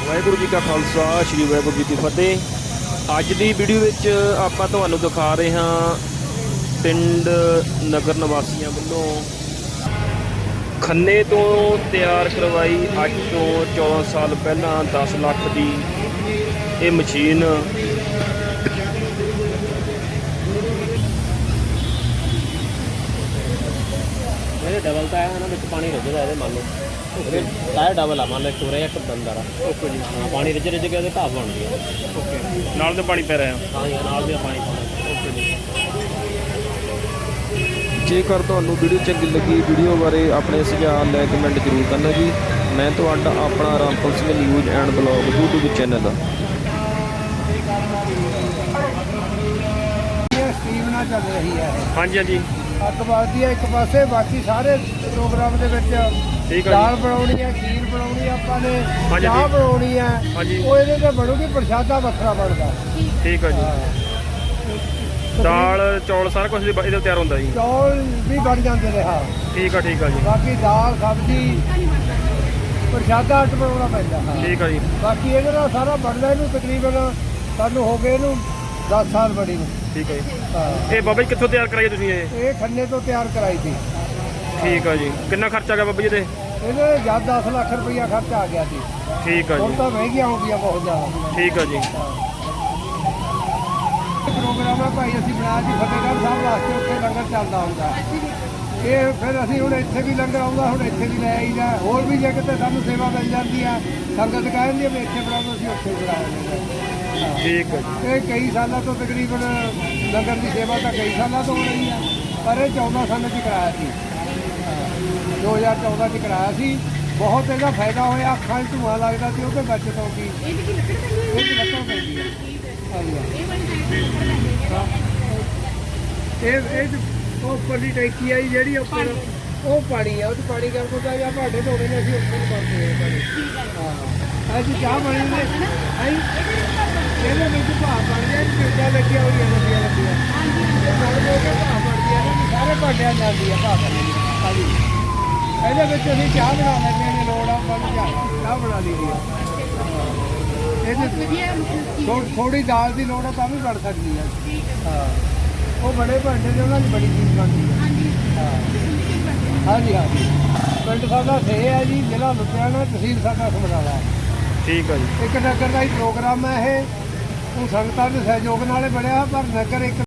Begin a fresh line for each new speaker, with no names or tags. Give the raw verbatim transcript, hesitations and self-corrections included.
ਵਾਹਿਗੁਰੂ जी का खालसा श्री वाहिगुरू जी की फतेह। अज की वीडियो विच आपां तुहानूं दिखा रहे हाँ पिंड नगर निवासियों वालों खन्ने तो तैयार करवाई अज तो चौदह साल पहला दस लाख की ये मशीन
डबल तो है ना बिच पानी रिज रहा है मान लो टायर डबल आ मान लो एक पूरा एक बंदा
ओके जी।
हाँ पानी रिज रिज के घास बन गया
ओके नाल तो पानी पै रहा है।
हाँ जी नाल भी पानी पाना
ओके जी। जेकर तुहानूं वीडियो चंगी लगी वीडियो बारे अपने सुझाव लै कमेंट जरूर करना जी। मैं तुहाडा अपना Rampal Singh news and blog YouTube channel
scheme ना चल रही है।
हाँ जी हाँ जी
ਅੱਗ ਬਾਲਦੀ ਹੈ ਇੱਕ ਪਾਸੇ, ਬਾਕੀ ਸਾਰੇ ਪ੍ਰੋਗਰਾਮ ਦੇ ਵਿੱਚ
ਠੀਕ ਹੈ
ਦਾਲ ਬਣਾਉਣੀ ਹੈ, ਖੀਰ ਬਣਾਉਣੀ ਹੈ, ਆਪਾਂ ਨੇ
ਹਾਂਜੀ,
ਚਾਹ
ਠੀਕ।
ਬਣਾਉਣੀ ਹੈ,
ਹਾਂਜੀ।
ਉਹ ਇਹਦੇ ਤੇ ਬਣੂਗੀ, ਪ੍ਰਸ਼ਾਦਾ ਵੱਖਰਾ ਬਣਦਾ।
ठीक है जी। दाल चौल सारा कुछ ਇਹਦੇ ਤਿਆਰ ਹੁੰਦਾ ਜੀ।
ਚੌਲ ਵੀ ਬਣ ਜਾਂਦੇ ਨੇ। ਹਾਂ
ਠੀਕ ਆ ਠੀਕ ਆ ਜੀ।
ਬਾਕੀ ਦਾਲ ਸਬਜ਼ੀ ਪ੍ਰਸ਼ਾਦਾ ਅੱਟ ਬਣਾਉਣਾ ਪੈਂਦਾ। ਹਾਂ
ਠੀਕ ਆ ਜੀ।
ਬਾਕੀ ਇਹਦੇ ਨਾਲ ਸਾਰਾ ਬਣਦਾ ਇਹਨੂੰ ਤਕਰੀਬਨ ਸਾਨੂੰ ਹੋ ਗਏ ਇਹਨੂੰ ਦਸ ਸਾਲ ਬੜੀ ਨੂੰ।
ਠੀਕ ਹੈ ਜੀ।
ਹਾਂ
ਇਹ ਬਾਬਾ ਜੀ ਕਿੱਥੋਂ ਤਿਆਰ ਕਰਾਈ ਤੁਸੀਂ ਇਹ?
ਇਹ ਖੰਨੇ ਤੋਂ ਤਿਆਰ ਕਰਾਈ ਸੀ।
ਠੀਕ ਆ ਜੀ। ਕਿੰਨਾ ਖਰਚਾ ਆ ਗਿਆ ਬਾਬਾ ਜੀ ਇਹਦੇ?
ਇਹਦੇ ਜਦ ਦਸ ਲੱਖ ਰੁਪਈਆ ਖਰਚਾ ਆ ਗਿਆ ਸੀ।
ਠੀਕ ਆ
ਹੁਣ
ਜੀ।
ਤਾਂ ਮਹਿੰਗੀਆਂ ਹੋ ਗਈਆਂ ਬਹੁਤ ਜ਼ਿਆਦਾ।
ਠੀਕ ਆ ਜੀ।
ਪ੍ਰੋਗਰਾਮ ਹੈ ਭਾਈ ਅਸੀਂ ਬਣਾਇਆ ਜੀ ਫਤਿਹਗੜ੍ਹ ਸਾਹਿਬ ਵਾਸਤੇ, ਉੱਥੇ ਲੰਗਰ ਚੱਲਦਾ ਹੁੰਦਾ। ਇਹ ਫਿਰ ਅਸੀਂ ਹੁਣ ਇੱਥੇ ਵੀ ਲੰਗਰ ਆਉਂਦਾ, ਹੁਣ ਇੱਥੇ ਵੀ ਲੈ ਆਈਦਾ। ਹੋਰ ਵੀ ਜੇ ਕਿਤੇ ਸਾਨੂੰ ਸੇਵਾ ਮਿਲ ਜਾਂਦੀ ਆ, ਸੰਗਤ ਕਹਿ ਦਿੰਦੀ ਆ ਵੀ ਇੱਥੇ ਬਣਾਓ, ਅਸੀਂ ਉੱਥੇ ਬਣਾ ਲੈਂਦੇ।
ਠੀਕ ਆ ਜੀ।
ਇਹ ਕਈ ਸਾਲਾਂ ਤੋਂ ਤਕਰੀਬਨ ਲੰਗਰ ਦੀ ਸੇਵਾ ਤਾਂ ਕਈ ਸਾਲਾਂ ਤੋਂ ਹੋ ਰਹੀ ਆ, ਪਰ ਇਹ ਚੌਦਾਂ ਸਾਲਾਂ 'ਚ ਕਰਾਇਆ ਸੀ। ਦੋ ਹਜ਼ਾਰ ਚੌਦਾਂ 'ਚ ਕਰਾਇਆ ਸੀ। ਬਹੁਤ ਇਹਦਾ ਫਾਇਦਾ ਹੋਇਆ। ਅੱਖਾਂ 'ਚ ਧੂੰਆਂ ਲੱਗਦਾ ਸੀ, ਉਹਦੇ ਬਚਤ ਹੋ ਗਈ। ਇਹ ਲੱਕੜ ਪੈਂਦੀ ਆ। ਇਹ ਇਹ ਉਹ ਉੱਪਰ ਦੀ ਟੈਂਕੀ ਆ ਜੀ ਜਿਹੜੀ ਉੱਪਰ ਉਹ ਪਾਣੀ ਆ, ਉਹ 'ਚ ਪਾਣੀ ਕਰ ਕੋਦਾ ਜਾਂ ਭਾਂਡੇ ਧੋਣੇ ਨੇ, ਅਸੀਂ ਉੱਪਰ ਕਰਦੇ ਹਾਂ ਪਾਣੀ। ਹਾਂ ਅੱਜ ਚਾਹ ਬਣੀ ਨੇ ਹੈ ਇਹਦੇ ਵਿੱਚ ਭਾਅ ਬਣ ਗਿਆ। ਚੀਜ਼ਾਂ ਲੱਗੀਆਂ ਹੋਈਆਂ ਲੱਗੀਆਂ ਲੱਗੀਆਂ ਭਾਅ ਬਣਦੀ ਆ ਨਾ, ਸਾਰੇ ਭਾਂਡਿਆਂ ਜਾਂਦੀ ਆ ਭਾਅ ਕਰਨੀ। ਹਾਂਜੀ ਇਹਦੇ ਵਿੱਚ ਅਸੀਂ ਚਾਹ ਬਣਾ ਲੈਂਦੇ ਹਾਂ। ਲੋੜ ਆ ਬਣ ਚਾਹ ਬਣਾ ਲਈਦੀ ਆ। ਇਹਦੇ ਥੋੜੀ ਦਾਲ ਦੀ ਲੋੜ ਆ ਤਾਂ ਵੀ ਬਣ ਸਕਦੀ ਆ। ਹਾਂ ਉਹ ਬੜੇ ਭਾਂਡੇ ਨੇ, ਉਹਨਾਂ ਦੀ ਬੜੀ ਚੀਜ਼ ਬਣਦੀ ਹੈ। ਹਾਂ ਹਾਂਜੀ ਹਾਂਜੀ। ਪਿੰਡ ਸਾਡਾ ਸੇ ਹੈ ਜੀ, ਜ਼ਿਲ੍ਹਾ ਲੁਧਿਆਣਾ, ਤਹਿਸੀਲ ਸਾਡਾ ਸਮਰਾਲਾ।
ਠੀਕ ਆ ਜੀ।
ਇੱਕ ਨਗਰ ਦਾ ਹੀ ਪ੍ਰੋਗਰਾਮ ਹੈ ਇਹ। ਉਹ ਸੰਗਤਾਂ ਦੇ ਸਹਿਯੋਗ ਨਾਲ ਬਣਿਆ, ਪਰ ਨਗਰ ਇੱਕ